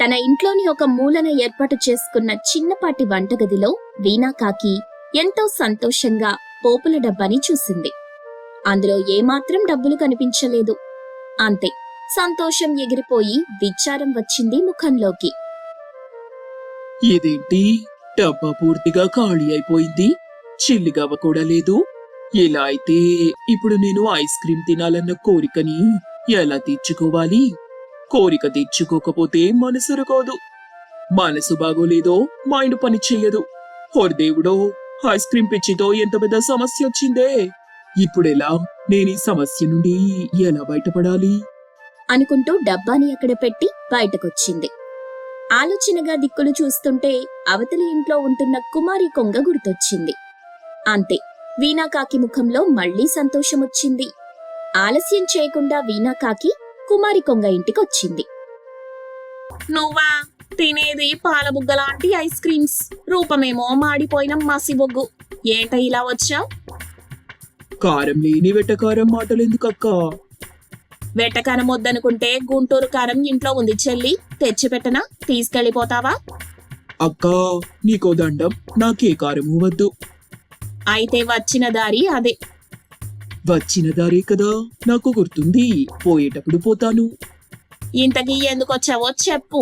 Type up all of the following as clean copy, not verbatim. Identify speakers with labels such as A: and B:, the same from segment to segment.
A: తన ఇంట్లోని ఒక మూలన ఏర్పాటు చేసుకున్న చిన్నపాటి వంటగదిలో వీణాకాకి ఎంతో సంతోషంగా పోపుల డబ్బాని చూసింది. అందులో ఏమాత్రం డబ్బులు కనిపించలేదు. అంతే, సంతోషం ఎగిరిపోయి విచారం వచ్చింది ముఖంలోకి.
B: ఇదేంటి, డబ్బా పూర్తిగా ఖాళీ అయిపోయింది, చిల్లిగవ్వ కూడా లేదు. ఇలా అయితే ఇప్పుడు నేను ఐస్ క్రీం తినాలన్న కోరికని ఎలా తీర్చుకోవాలి? కోరిక తీర్చుకోకపోతే మనసు రకోదు, మనసు బాగోలేదో మైండ్ పని చెయ్యదు. దేవుడో, ఐస్ క్రీం పిచ్చితో ఎంత పెద్ద సమస్య వచ్చిందే. ఇప్పుడెలా, నేను ఈ సమస్య నుండి ఎలా బయటపడాలి
A: అనుకుంటూ డబ్బాని అక్కడ పెట్టి బయటకొచ్చింది. ఆలోచనగా దిక్కులు చూస్తుంటే అవతలి ఇంట్లో ఉంటున్న కుమారి కొంగ గుర్తొచ్చింది. అంతే, వీణాకాకి ముఖంలో మళ్లీ సంతోషమొచ్చింది. ఆలస్యం చేయకుండా వీణాకాకి కుమారి కొంగ ఇంటికొచ్చింది.
C: నువ్వా తినేది పాలబుగ్గలాంటి ఐస్ క్రీమ్స్, రూపమేమో మాడిపోయిన మసిబొగ్గు. ఏంట ఇలా వచ్చావు?
B: కారం లేని వెటకారం మాటలెందుకక్కా?
C: వెట్టకారం వద్దనుకుంటే గుంటూరు కారం ఇంట్లో ఉంది చెల్లి, తెచ్చిపెట్టనా? తీసుకెళ్లిపోతావా?
B: అక్కా, నీకో దండం, నాకే కారము వద్దు.
C: అయితే వచ్చిన దారి అదే.
B: వచ్చిన దారే కదా, నాకు గుర్తుంది. పోయేటప్పుడు పోతాను.
C: ఇంతకీ ఎందుకొచ్చావో చెప్పు.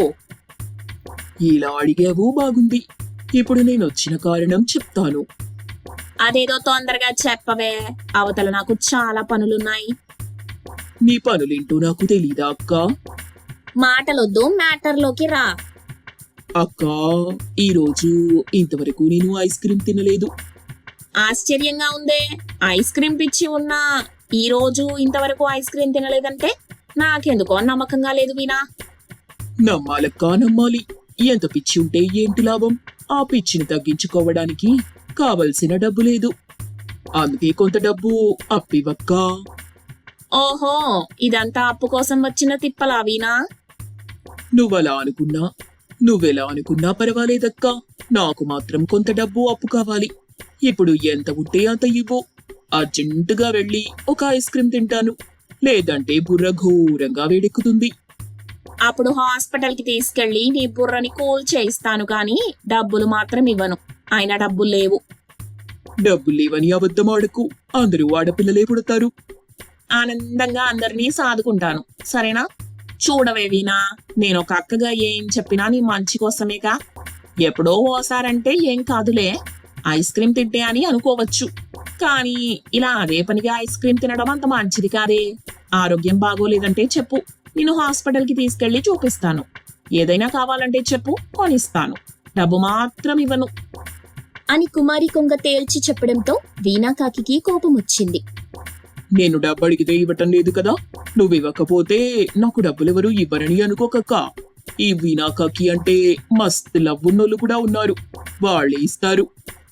B: ఇలా అడిగావు, బాగుంది. ఇప్పుడు నేనొచ్చిన కారణం చెప్తాను.
C: అదేదో తొందరగా చెప్పవే, అవతల నాకు చాలా పనులున్నాయి.
B: నీ పనులేంటో నాకు తెలీదా అక్కా?
C: మాటలొద్దు, మ్యాటర్లోకి రా.
B: అక్కా, ఈరోజు ఇంతవరకు నేను ఐస్ క్రీం తినలేదు.
C: ఆశ్చర్యంగా ఉందే, ఐస్ క్రీం పిచ్చి ఉన్నా ఈ రోజు ఇంతవరకు ఐస్ క్రీం తినలేదంటే నాకెందుకో నమ్మకంగా లేదు వీణా.
B: నమ్మాలక్కా, నమ్మాలి. ఎంత పిచ్చి ఉంటే ఏంటి లాభం? ఆ పిచ్చిని తగ్గించుకోవడానికి కావలసిన డబ్బు లేదు. అందుకే కొంత డబ్బు అప్పివక్కా.
C: ఓహో, ఇదంతా అప్పు కోసం వచ్చిన తిప్పలా వీణా?
B: నువ్వలా అనుకున్నా, నువ్వెలా అనుకున్నా పర్వాలేదక్కా. నాకు మాత్రం కొంత డబ్బు అప్పు కావాలి. ఇప్పుడు ఎంత ఉంటే అంత ఇవ్వు. అర్జెంటుగా వెళ్ళి ఒక ఐస్ క్రీం తింటాను, లేదంటే బుర్ర ఘోరంగా వేడెక్కుతుంది.
C: అప్పుడు హాస్పిటల్ కి తీసుకెళ్లి నీ బుర్రని కూల్ చేయిస్తాను, కానీ డబ్బులు మాత్రం ఇవ్వను. అయినా డబ్బులు లేవు.
B: డబ్బులు లేవని అబద్ధం ఆడకు, అందరూ ఆడపిల్లలే పుడతారు.
C: ఆనందంగా అందరినీ సాదుకుంటాను, సరేనా? చూడవే వీణా, నేను ఒక అక్కగా ఏం చెప్పినా నీ మంచి కోసమేగా. ఎప్పుడో ఓసారంటే ఏం కాదులే, ఐస్ క్రీం తింటే అని అనుకోవచ్చు. కానీ ఇలా అదే పనిగా ఐస్ క్రీం తినడం అంత మంచిది కాదే. ఆరోగ్యం బాగోలేదంటే చెప్పు, నేను హాస్పిటల్ కి తీసుకెళ్లి చూపిస్తాను. ఏదైనా కావాలంటే చెప్పు, కొనిస్తాను. డబ్బు మాత్రం ఇవ్వను
A: అని కుమారి కొంగ తేల్చి చెప్పడంతో వీణాకాకి కోపం వచ్చింది.
B: నేను డబ్బు అడిగితే ఇవ్వటం లేదు కదా, నువ్వు ఇవ్వకపోతే నాకు డబ్బులెవరూ ఇవ్వరని అనుకోకక్కా. ఈ వీణాకాకి అంటే మస్తు లవ్వున్నోళ్ళు కూడా ఉన్నారు, వాళ్ళే ఇస్తారు.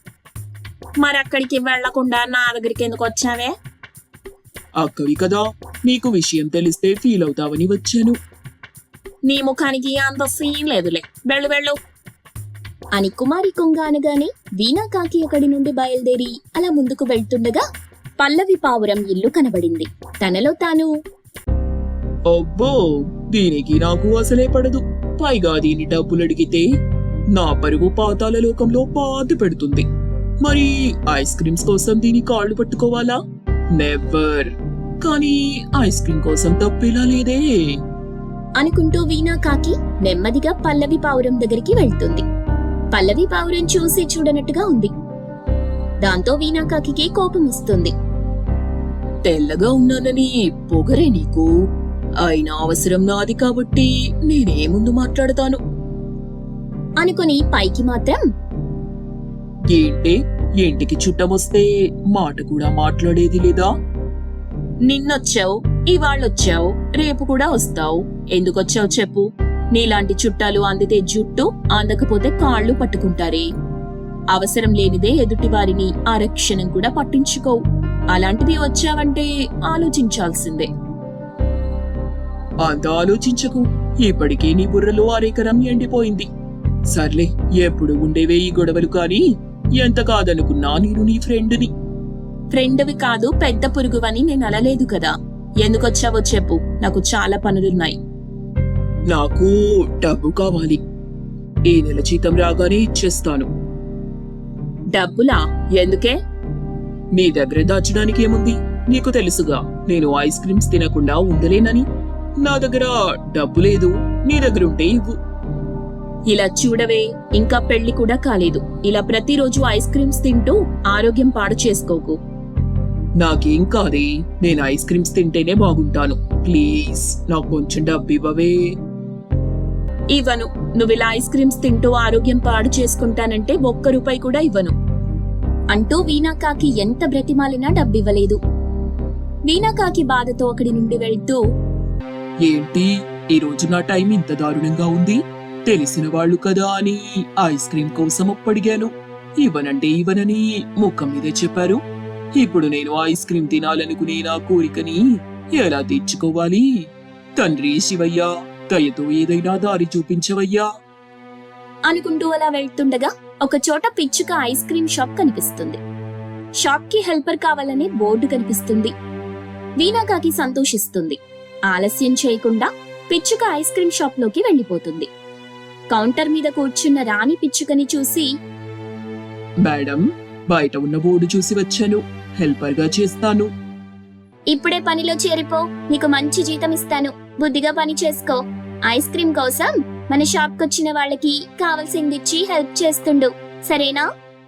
C: మరి అక్కడికి వెళ్లకుండా నా దగ్గరికి ఎందుకు వచ్చావే?
B: అక్కవి కదా, నీకు విషయం తెలిస్తే ఫీల్ అవుతావని వచ్చాను.
C: నీ ముఖానికి అంత సీన్ లేదులే, వెళ్ళు వెళ్ళు
A: అని కుమారి కొంగ అనగానే వీణాకాకి అక్కడి నుండి బయలుదేరి అలా ముందుకు వెళ్తుండగా పల్లవి పావురం ఇల్లు కనబడింది. తనలో తాను,
B: అబ్బో, దీనికి నాకు అసలే పడదు. పైగా దీని డబ్బులు అడిగితే నా పరువు పాతాల లోకంలో పాతి పెడుతుంది. మరి ఐస్ క్రీమ్స్ కోసం దీని కాళ్ళు పట్టుకోవాలా? నెవర్. కానీ ఐస్ క్రీం కోసం తప్పేలా లేదే
A: అనుకుంటూ వీణాకాకి నెమ్మదిగా పల్లవి పావురం దగ్గరికి వెళ్తుంది. పల్లవి పావురం చూసి చూడనట్టుగా ఉంది. దాంతో వీణాకాకి కోపం వస్తుంది.
B: తెల్లగా ఉన్నానని పొగరే నీకు? అయినా అవసరం నాది కాబట్టి నేనే ముందు మాట్లాడతాను
A: అనుకుని పైకి మాత్రం,
B: ఏంటే, ఇంటికి చుట్టమొస్తే మాట కూడా మాట్లాడేది లేదా?
C: నిన్నొచ్చావు, ఇవాళ్ళొచ్చావు, రేపు కూడా వస్తావు. ఎందుకొచ్చావు చెప్పు. నీలాంటి చుట్టాలు అందితే జుట్టు, అందకపోతే కాళ్ళు పట్టుకుంటారే. అవసరం లేనిదే ఎదుటి వారిని ఆరక్షణం కూడా పట్టించుకోవు. అలాంటిది వచ్చావంటే ఆలోచించాల్సిందే.
B: అంత ఆలోచించకు, ఇప్పటికే నీ బుర్రలో అరేకరం ఎండిపోయింది. సర్లే, ఎప్పుడు ఉండేవే ఈ గొడవలు. కానీ ఎంత కాదనుకున్నా నేను నీ ఫ్రెండ్ని.
C: ఫ్రెండ్వి కాదు, పెద్ద పురుగువని నేను అనలేదు కదా. ఎందుకొచ్చావో చెప్పు, నాకు చాలా పనులున్నాయి.
B: నాకు డబ్బు కావాలి. ఈ నెల జీతం రాగానే ఇచ్చేస్తాను.
C: డబ్బులా? ఎందుకే?
B: మీ దగ్గర దాచడానికి ఏముంది? నీకు తెలుసుగా నేను ఐస్ క్రీమ్స్ తినకుండా ఉండలేనని. నా దగ్గర డబ్బు లేదు, నీ దగ్గర ఉంటే ఇవ్వు.
C: ఇలా చూడవే, ఇంకా పెళ్లి కూడా కాలేదు. ఇలా ప్రతిరోజు ఐస్ క్రీమ్స్ తింటూ ఆరోగ్యం పాడు చేసుకోకు.
B: నాకేం కాదే, నేను ఐస్ క్రీమ్స్ తింటేనే బాగుంటాను. ప్లీజ్ నాకు కొంచెం డబ్బు ఇవ్వవే.
C: ఇవ్వను. నువ్వు ఇలా ఐస్ క్రీమ్స్ తింటూ ఆరోగ్యం పాడు చేసుకుంటానంటే ₹1 కూడా ఇవ్వను
A: అంటూ వీణాకాకి ఎంత బ్రతిమాలినా డబ్బివ్వలేదు. వీణాకాకి బాధతో అక్కడి నుండి వెళ్తూ,
B: ఏంటి ఈ రోజు నా టైం ఇంత దారుణంగా ఉంది? తెలిసిన వాళ్ళు కదా అని ఐస్ క్రీమ్ కోసం అప్పడిగాను. ఇవ్వనంటే ఇవ్వనని ముఖం మీదే చెప్పారు. ఇప్పుడు నేను ఐస్ క్రీమ్ తినాలనుకునే నా కోరికని ఎలా తీర్చుకోవాలి? తండ్రి శివయ్య, దయతో ఏదైనా దారి చూపించవయ్యా.
A: అనుకుంటూ అలా వెళ్తుండగా ఒక చోట పిచ్చుక ఐస్ క్రీం షాప్ కనిపిస్తుంది. షాప్ కి హెల్పర్ కావాలనే బోర్డు కనిపిస్తుంది. వీణాకాకి సంతోషిస్తుంది. ఆలస్యం చేయకుండా పిచ్చుక ఐస్ క్రీం షాప్ లోకి వెళ్లిపోతుంది. కౌంటర్ మీద కూర్చున్న రాణి పిచ్చుకని చూసి,
B: మేడం, బయట ఉన్న బోర్డు చూసి వచ్చాను. హెల్పర్ గా చేస్తాను.
A: ఇప్పుడే పనిలో చేరిపో, నీకు మంచి జీతం ఇస్తాను. బుద్ధిగా పని చేసుకో. ఐస్ క్రీం కోసం మన షాప్ కొచ్చిన వాళ్ళకి కావలసిందిచ్చి హెల్ప్ చేస్తుండు, సరేనా?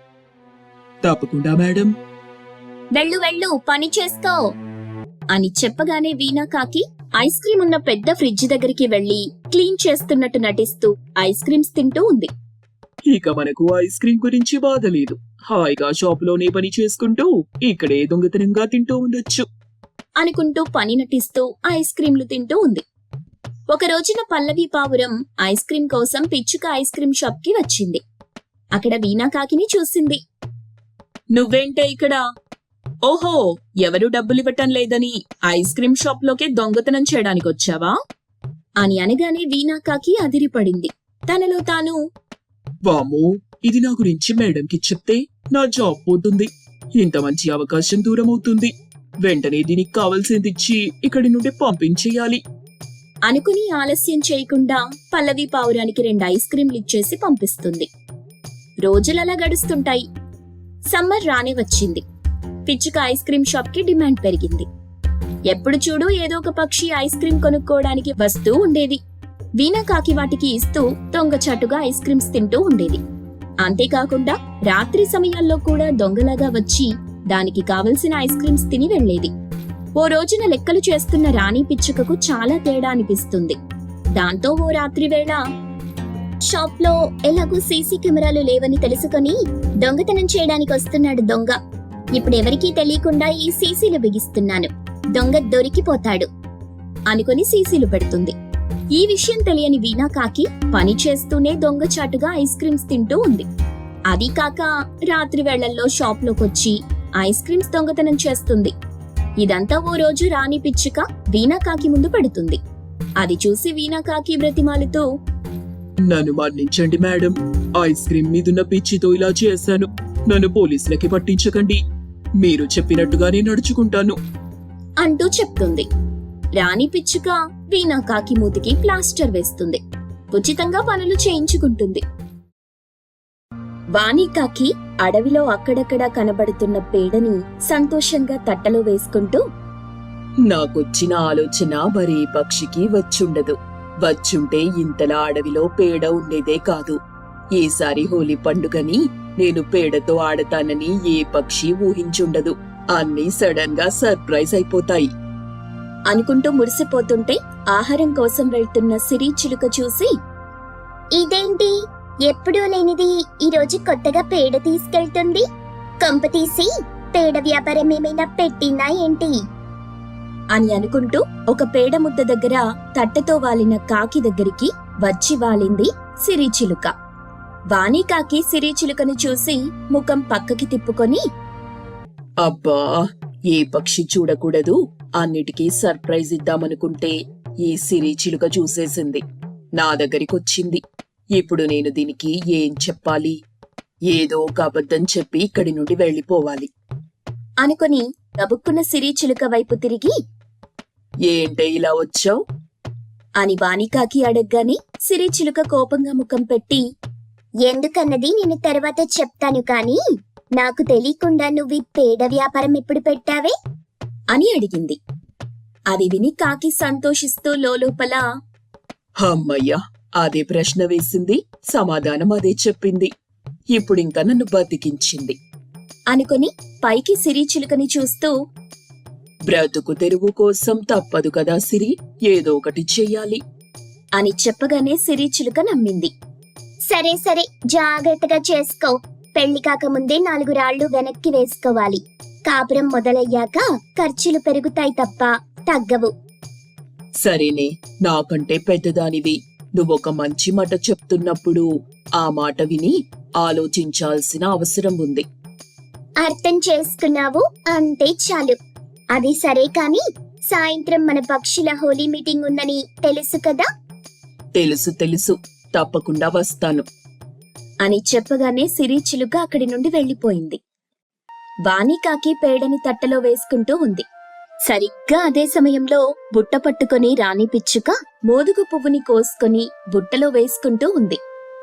B: తప్పకుండా మేడం.
A: వెళ్ళు వెళ్ళు, పని చేసుకో అని చెప్పగానే వీణాకాకి ఐస్ క్రీం ఉన్న పెద్ద ఫ్రిడ్జ్ దగ్గరికి వెళ్లి క్లీన్ చేస్తున్నట్టు నటిస్తూ ఐస్ క్రీమ్స్ తింటూ ఉంది.
B: ఇక మనకు ఐస్ క్రీం గురించి బాధ లేదు. హాయిగా షాపులోనే పని చేసుకుంటూ ఇక్కడే దొంగతనంగా తింటూ ఉండొచ్చు
A: అనుకుంటూ పని నటిస్తూ ఐస్ క్రీంలు తింటూ ఉంది. ఒక రోజున పల్లవి పావురం ఐస్ క్రీం కోసం పిచ్చుక ఐస్ క్రీం షాప్ కి వచ్చింది. అక్కడ వీణాకాకిని చూసింది.
C: నువ్వేంటే ఇక్కడ? ఓహో, ఎవరు డబ్బులివ్వటం లేదని ఐస్ క్రీం షాప్ లోకే దొంగతనం చేయడానికి వచ్చావా?
A: అని అనగానే వీణాకాకి అదిరిపడింది. తనలో తాను,
B: వామ్మో, ఇది నా గురించి మేడంకి చెప్తే నా జాబ్ పోతుంది. ఇంత మంచి అవకాశం దూరం అవుతుంది. వెంటనే దీనికి కావాల్సింది ఇచ్చి ఇక్కడి నుండి పంపించేయాలి
A: అనుకుని ఆలస్యం చేయకుండా పల్లవి పావురానికి 2 ఐస్ క్రీంలు ఇచ్చేసి పంపిస్తుంది. రోజులలా గడుస్తుంటాయి. సమ్మర్ రానే వచ్చింది. పిచ్చుక ఐస్ క్రీం షాప్ కి డిమాండ్ పెరిగింది. ఎప్పుడు చూడు ఏదో ఒక పక్షి ఐస్ క్రీం కొనుక్కోవడానికి వస్తూ ఉండేది. వీణాకాకి వాటికి ఇస్తూ దొంగచాటుగా ఐస్ క్రీమ్స్ తింటూ ఉండేది. అంతేకాకుండా రాత్రి సమయాల్లో కూడా దొంగలాగా వచ్చి దానికి కావలసిన ఐస్ క్రీమ్స్ తిని వెళ్లేది. ఓ రోజున లెక్కలు చేస్తున్న రాణి పిచ్చుకకు చాలా తేడా అనిపిస్తుంది. దాంతో ఓ రాత్రి వేళ, షాప్ లో ఎలాగూ సీసీ కెమెరాలు లేవని తెలుసుకొని దొంగతనం చేయడానికి వస్తున్నాడు దొంగ. ఇప్పుడు ఎవరికీ తెలియకుండా ఈ సీసీలు బిగిస్తున్నాను. దొంగ దొరికిపోతాడు అనుకుని సీసీలు పెడుతుంది. ఈ విషయం తెలియని వీణాకాకి పని చేస్తూనే దొంగచాటుగా ఐస్ క్రీమ్స్ తింటూ ఉంది. అది కాక రాత్రి వేళల్లో షాప్ లోకొచ్చి ఐస్ క్రీమ్స్ దొంగతనం చేస్తుంది. ఇదంతా ఓ రోజు రాణి పిచ్చుక వీణాకాకి ముందు పెడుతుంది. అది చూసి వీణాకాకి బ్రతిమాలుతూ,
B: నన్ను మన్నించండి మేడం. ఐస్ క్రీం మీదున్న పిచ్చితో ఇలా చేశాను. నన్ను పోలీసులకి పట్టించకండి. మీరు చెప్పినట్టుగానే నడుచుకుంటాను
A: అంటూ చెప్తుంది. రాణి పిచ్చుక వీణాకాకి మూతికి ప్లాస్టర్ వేస్తుంది. ఉచితంగా పనులు చేయించుకుంటుంది. వాణికాకి అడవిలో అక్కడక్కడా కనబడుతున్న పేడని సంతోషంగా తట్టలో వేసుకుంటూ,
B: నాకొచ్చిన ఆలోచన మరే పక్షికి వచ్చుండదు. వచ్చుంటే ఇంతలా అడవిలో పేడ ఉండేదే కాదు. ఈసారి హోలీ పండుగని నేను పేడతో ఆడతానని ఏ పక్షి ఊహించుండదు. అన్నీ సడన్ గా సర్ప్రైజ్ అయిపోతాయి
A: అనుకుంటూ మురిసిపోతుంటే ఆహారం కోసం వెళ్తున్న సిరి చిలుక చూసి, ఇదేంటి ఎప్పుడూ లేనిది ఈ రోజు కొత్తగా పేడ తీసుకెళ్తుంది? కొంపతీసి పేడ వ్యాపారం ఏమైనా పెట్టిందా ఏంటి అని అనుకుంటూ ఒక పేడ ముద్ద దగ్గర తట్టెతో వాలిన కాకి దగ్గరికి వచ్చి వాలింది సిరి చిలుక. వాణికాకి సిరి చిలుకను చూసి ముఖం పక్కకి తిప్పుకొని,
B: అబ్బా, ఏ పక్షి చూడకూడదు, అన్నిటికీ సర్ప్రైజ్ ఇద్దామనుకుంటే ఈ సిరి చిలుక చూసేసింది. నా దగ్గరికొచ్చింది. ఇప్పుడు నేను దీనికి ఏం చెప్పాలి? ఏదో ఒక అబద్ధం చెప్పి ఇక్కడి నుండి వెళ్లిపోవాలి
A: అనుకుని గబుక్కున్న సిరి చిలుక వైపు తిరిగి,
B: ఏంటే ఇలా వచ్చావు
A: అని వాణికాకి అడగ్గానే సిరిచిలుక కోపంగా ముఖం పెట్టి, ఎందుకన్నది నేను తర్వాత చెప్తాను కాని నాకు తెలియకుండా నువ్వు పేడ వ్యాపారం ఎప్పుడు పెట్టావే అని అడిగింది. అది విని కాకి సంతోషిస్తూ లోపల,
B: అమ్మయ్యా, అదే ప్రశ్న వేసింది, సమాధానం అదే చెప్పింది. ఇప్పుడింక నన్ను బతికించింది
A: అనుకుని పైకి సిరిచిలుకని చూస్తూ,
B: బ్రతుకు తెరువు కోసం తప్పదు కదా సిరి, ఏదో ఒకటి చెయ్యాలి
A: అని చెప్పగానే సిరిచిలుక నమ్మింది. సరే సరే, జాగ్రత్తగా చేసుకో. పెళ్లి కాకముందే 4 రాళ్లు వెనక్కి వేసుకోవాలి. కాపురం మొదలయ్యాక ఖర్చులు పెరుగుతాయి తప్ప తగ్గవు.
B: సరేనే, నాకంటే పెద్దదానివి, నువ్వొక మంచి మాట చెప్తున్నప్పుడు ఆ మాట విని ఆలోచించాల్సిన అవసరం ఉంది.
A: అర్థం చేసుకున్నావు అంతే చాలు. అది సరే కాని సాయంత్రం మన పక్షుల హోలీ మీటింగ్ ఉందని తెలుసు కదా?
B: తెలుసు తెలుసు, తప్పకుండా వస్తాను
A: అని చెప్పగానే సిరిచిలుక అక్కడి నుండి వెళ్లిపోయింది. వాణికాకి పేడని తట్టలో వేసుకుంటూ ఉంది. సరిగ్గా అదే సమయంలో బుట్ట పట్టుకొని రాణి పిచ్చుక మోదుగు పువ్వుని కోసుకొని బుట్టలో వేసుకుంటూ ఉంది.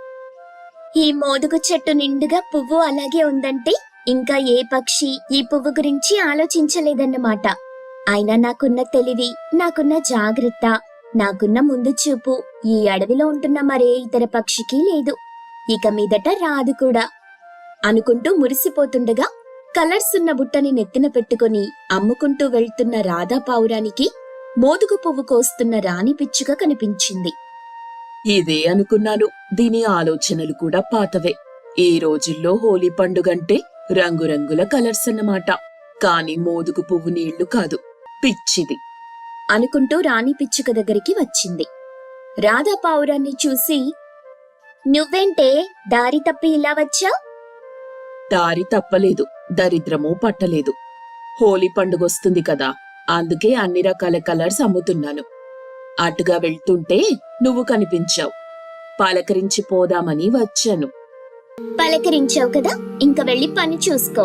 A: ఈ మోదుగు చెట్టు నిండుగా పువ్వు అలాగే ఉందంటే ఇంకా ఏ పక్షి ఈ పువ్వు గురించి ఆలోచించలేదన్నమాట. అయినా నాకున్న తెలివి, నాకున్న జాగ్రత్త, నాకున్న ముందు చూపు ఈ అడవిలో ఉంటున్న మరే ఇతర పక్షికి లేదు. ఇక మీదట రాదు కూడా అనుకుంటూ మురిసిపోతుండగా కలర్స్ ఉన్న బుట్టని నెత్తిన పెట్టుకుని అమ్ముకుంటూ వెళ్తున్న రాధా పావురానికి మోదుగు పువ్వు కోస్తున్న రాణి పిచ్చుక కనిపించింది.
B: ఇదే అనుకున్నాను, దీని ఆలోచనలు కూడా పాతవే. ఈ రోజుల్లో హోలీ పండుగంటే రంగురంగుల కలర్స్ అన్నమాట, కాని మోదుగు పువ్వు నీళ్లు కాదు, పిచ్చిది
A: అనుకుంటూ రాణి పిచ్చుక దగ్గరికి వచ్చింది. రాధా పావురాన్ని చూసి, నువ్వేంటే దారి తప్పి ఇలా వచ్చావ్?
B: దారి తప్పలేదు, దరిద్రమూ పట్టలేదు. హోలీ పండుగొస్తుంది కదా, అందుకే అన్ని రకాల కలర్స్ అమ్ముతున్నాను. అటుగా వెళ్తుంటే నువ్వు కనిపించావు, పలకరించి పోదామని వచ్చాను.
A: పలకరించావు కదా, ఇంక వెళ్ళి పని చూసుకో.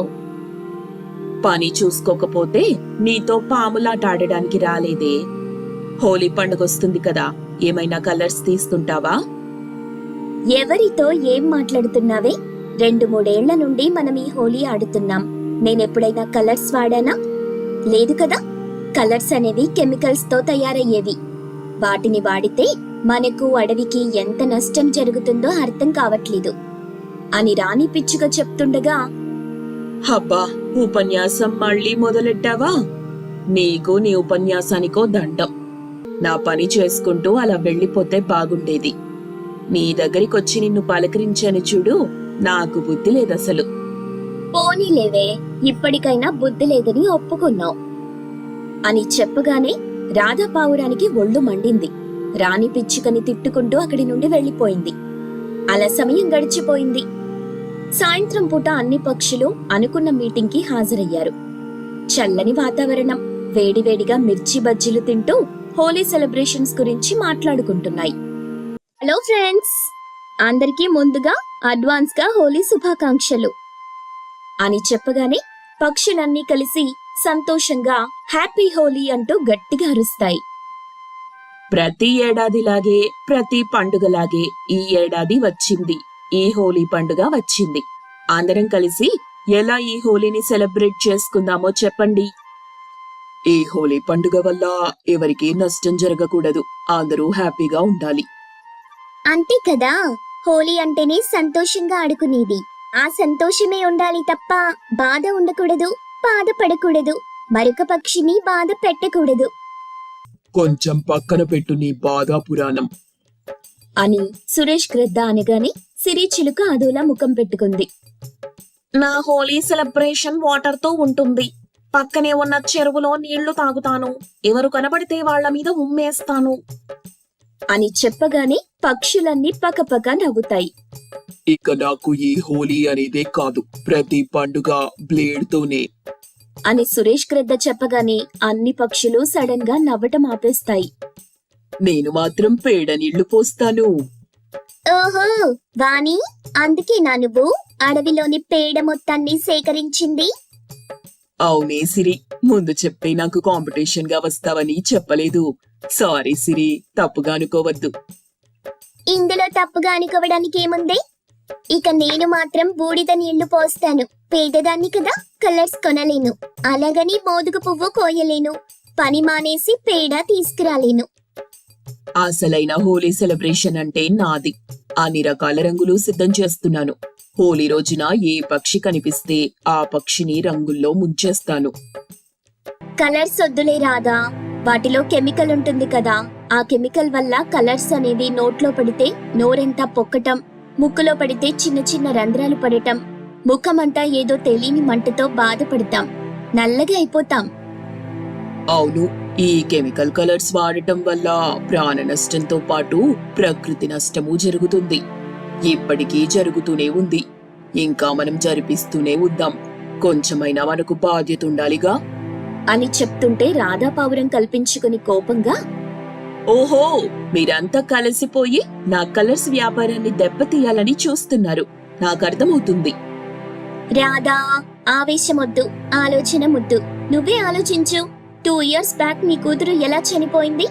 B: పని చూసుకోకపోతే నీతో పాములాట ఆడడానికి రాలేదే. హోలీ పండుగొస్తుంది కదా, ఏమైనా కలర్స్ తీస్తుంటావా?
A: ఎవరితో ఏం మాట్లాడుతున్నావే? 2-3 ఏళ్ల నుండి మనం ఈ హోలీ ఆడుతున్నాం. నేనెప్పుడైనా కలర్స్ వాడానా? లేదు కదా. కలర్స్ అనేవి కెమికల్స్ తో తయారయ్యేవి. వాటిని వాడితే మనకు అడవికి ఎంత నష్టం జరుగుతుందో అర్థం కావట్లేదు అని రాణి పిచ్చుక చెప్తుండగా,
B: అబ్బా, ఉపన్యాసం మళ్ళీ మొదలెట్టావా? నీకు నీ ఉపన్యాసానికో దండం. నా పని చేసుకుంటూ అలా వెళ్ళిపోతే బాగుండేది. నీ దగ్గరికొచ్చి నిన్ను పలకరించాను చూడు, నాకు బుద్ధి లేదసలు.
A: పోనీలేవే, ఇప్పటికైనా బుద్ధి లేదని ఒప్పుకున్నావు అని చెప్పగానే రాధా పావురానికి ఒళ్ళు మండింది. రాణి పిచ్చుకని తిట్టుకుంటూ అక్కడి నుండి వెళ్లిపోయింది. అలా సమయం గడిచిపోయింది. సాయంత్రం పూట అన్ని పక్షులు అనుకున్న మీటింగ్ కి హాజరయ్యారు. చల్లని వాతావరణం, వేడివేడిగా మిర్చి బజ్జీలు తింటూ హోలీ సెలబ్రేషన్స్ గురించి మాట్లాడుకుంటున్నాయి. హలో ఫ్రెండ్స్, అందరికీ ముందుగా అడ్వాన్స్ గా హోలీ శుభాకాంక్షలు అని చెప్పగానే పక్షులన్నీ కలిసి సంతోషంగా హ్యాపీ హోలీ అంటూ గట్టిగా అరుస్తాయి.
B: ప్రతి ఏడాదిలాగే, ప్రతి పండుగలాగే ఈ ఏడాది వచ్చింది. ఈ హోలీ పండుగ వచ్చింది. అందరం కలిసి ఎలా ఈ హోలీని సెలబ్రేట్ చేసుకుందామో చెప్పండి. ఈ హోలీ పండుగ వల్ల ఎవరికీ నష్టం జరగకూడదు, అందరూ హ్యాపీగా ఉండాలి.
A: అంతే కదా, హోలీ అంటేనే సంతోషంగా ఆడుకునేది. ఆ సంతోషమే ఉండాలి తప్ప బాధ ఉండకూడదు, బాధపడకూడదు, మరొక పక్షిని బాధ పెట్టకూడదు.
B: కొంచెం పక్కన పెట్టు నీ బాధా పురాణం
A: అని సురేష్ గ్రద్ద అనగానే సిరిచిలుక అదోలా ముఖం పెట్టుకుంది.
C: నా హోలీ సెలబ్రేషన్ వాటర్ తో ఉంటుంది. పక్కనే ఉన్న చెరువులో నీళ్లు తాగుతాను. ఎవరు కనబడితే వాళ్ల మీద ఉమ్మేస్తాను
A: అని చెప్పగానే పక్షులన్నీ పకపక నవ్వుతాయి.
B: ఇక నాకు ఈ హోలీ అనేదే కాదు, ప్రతి పండుగ బ్లేడ్ తోనే
A: అని సురేష్ గ్రద్ద చెప్పగానే అన్ని పక్షులు సడన్ గా నవ్వటం ఆపేస్తాయి.
B: నేను మాత్రం పేడ నీళ్లు పోస్తాను.
A: ఓహో వాణి, అందుకేనా నువ్వు అడవిలోని పేడ మొత్తాన్ని సేకరించింది?
B: అవునే సిరి, ముందు చెప్తే నాకు కాంపిటీషన్ గా వస్తావని చెప్పలేదు. సారీ సిరి, తప్పుగా అనుకోవద్దు.
D: ఇందులో తప్పుగా అనుకోవడానికి ఏముంది? ఇక నేను మాత్రం బూడిద నీళ్లు పోస్తాను. పేదదాన్ని కదా, కలర్స్ కొనలేను. అలాగని మోదుగు పువ్వు కోయలేను. పని మానేసి పేడ తీసుకురాలేను.
B: అసలైన హోలీ సెలబ్రేషన్ అంటే నాది. అన్ని రకాల రంగులు సిద్ధం చేస్తున్నాను. హోలీ రోజున ఏ పక్షి కనిపిస్తే ఆ పక్షిని రంగుల్లో ముంచేస్తాను.
D: కలర్స్ వద్దులే రాదా, వాటిలో కెమికల్ ఉంటుంది కదా. ఆ కెమికల్ వల్ల కలర్స్ అనేవి నోట్లో పడితే నోరెంతా పొక్కటం, ముక్కులో పడితే చిన్న చిన్న రంధ్రాలు పడటం, ముఖమంతా ఏదో తెలియని మంటతో బాధపడతాం, నల్లగా అయిపోతాం.
B: అవును, ఈ కెమికల్ కలర్స్ వాడటం వల్ల ప్రాణ నష్టంతో పాటు ప్రకృతి నష్టము జరుగుతుంది. ఇప్పటికీ జరుగుతూనే ఉంది. ఇంకా మనం జరిపిస్తూనే ఉందాం. కొంచెమైనా మనకు బాధ్యత ఉండాలిగా
A: అని చెప్తుంటే రాధా పావురం కల్పించుకుని కోపంగా,
B: ఓహో, మీరంతా కలిసిపోయి నా కలర్స్ వ్యాపారాన్ని దెబ్బతీయాలని చూస్తున్నారు. నాకు అర్థమవుతుంది.
D: రాధా, ఆవేశమొద్దు, ఆలోచన ముద్దు. నువ్వే ఆలోచించు. 2 years బ్యాక్ నీ కూతురు ఎలా చనిపోయింది?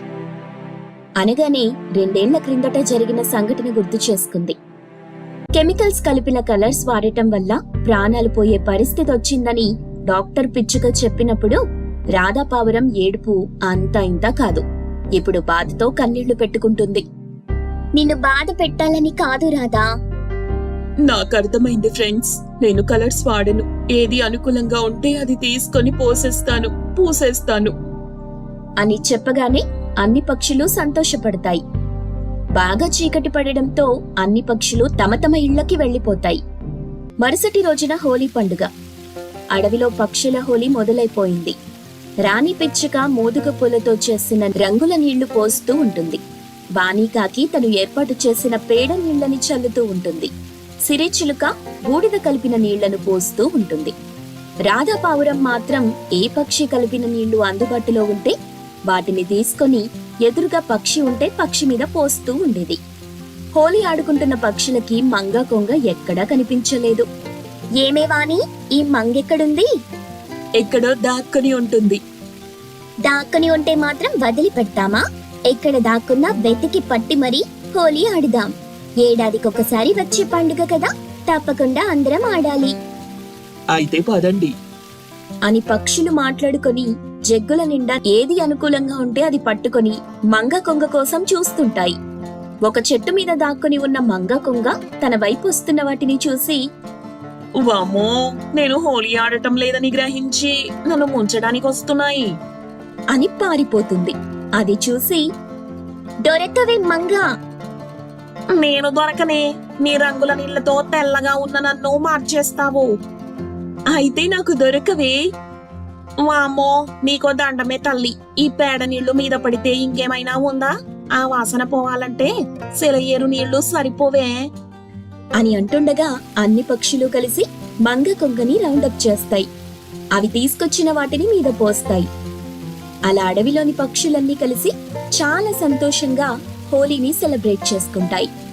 A: అనగానే 2 ఏళ్ల క్రిందట జరిగిన సంఘటన గుర్తు చేసుకుంది. కెమికల్స్ కలిపిన కలర్స్ వాడటం వల్ల ప్రాణాలు పోయే పరిస్థితి వచ్చిందని డాక్టర్ పిచ్చుక చెప్పినప్పుడు రాధా పావురం ఏడుపు అంతా ఇంతా కాదు. ఇప్పుడు బాధతో కన్నీళ్లు పెట్టుకుంటుంది.
D: నిన్ను బాధ పెట్టాలని కాదు రాధా.
B: నాకు అర్థమైంది ఫ్రెండ్స్. నేను కలర్స్ వాడను. ఏది అనుకూలంగా ఉంటే అది తీసుకొని పూసేస్తాను
A: అని చెప్పగానే అన్ని పక్షులు సంతోషపడతాయి. బాగా చీకటి పడడంతో అన్ని పక్షులు తమ తమ ఇళ్లకి వెళ్లిపోతాయి. మరుసటి రోజున హోలీ పండుగ. అడవిలో పక్షుల హోలీ మొదలైపోయింది. రాణి పిచ్చుక మోదుగ పూలతో చేసిన రంగుల నీళ్లు పోస్తూ ఉంటుంది. వాణికాకి తను ఏర్పాటు చేసిన పేడ నీళ్లని చల్లుతూ ఉంటుంది. సిరిచిలుక బూడిద కలిపిన నీళ్లను పోస్తూ ఉంటుంది. రాధా పావురం మాత్రం ఏ పక్షి కలిపిన నీళ్లు అందుబాటులో ఉంటే వాటిని తీసుకొని ఎదురుగా పక్షి ఉంటే పక్షి మీద పోస్తూ ఉండేది. హోలీ ఆడుకుంటున్న పక్షులకి మంగ కొంగ ఎక్కడా కనిపించలేదు.
D: ఏమే వాణి, ఈ మంగెక్కడుంది?
B: ఎక్కడో దాక్కుని ఉంటుంది.
D: దాక్కుని ఉంటే మాత్రం వదిలిపెట్టామా? ఎక్కడ దాక్కున్నా వెతికి పట్టి మరీ హోలీ ఆడుదాం. ఏడాదికొకసారి వచ్చే పండుగ కదా, తప్పకుండా అందరం ఆడాలి
B: అయితే పదండి
A: అని పక్షులు మాట్లాడుకొని జగ్గుల నిండా ఏది అనుకూలంగా ఉంటే అది పట్టుకొని మంగ కొంగ కోసం చూస్తుంటాయి. ఒక చెట్టు మీద దాక్కుని ఉన్న మంగ కొంగ తన వైపు వస్తున్న వాటిని చూసి,
C: వామ్మో, నేను హోలీ ఆడటం లేదని గ్రహించి నన్ను ముంచడానికి వస్తున్నాయి
A: అని పారిపోతుంది. అది చూసి,
D: దొరకవే మంగా.
C: నేను దొరకనే. నీ రంగుల నీళ్లతో తెల్లగా ఉన్న నన్ను మార్చేస్తావు.
B: అయితే నాకు దొరకవే.
C: వామ్మో, నీకో దండమే తల్లి. ఈ పేడ నీళ్లు మీద పడితే ఇంకేమైనా ఉందా? ఆ వాసన పోవాలంటే సెలయేరు నీళ్లు సరిపోవే
A: అని అంటుండగా అన్ని పక్షులు కలిసి మంగ కొంగని రౌండప్ చేస్తాయి. అవి తీసుకొచ్చిన వాటిని మీద పోస్తాయి. అలా అడవిలోని పక్షులన్నీ కలిసి చాలా సంతోషంగా హోలీని సెలబ్రేట్ చేసుకుంటాయి.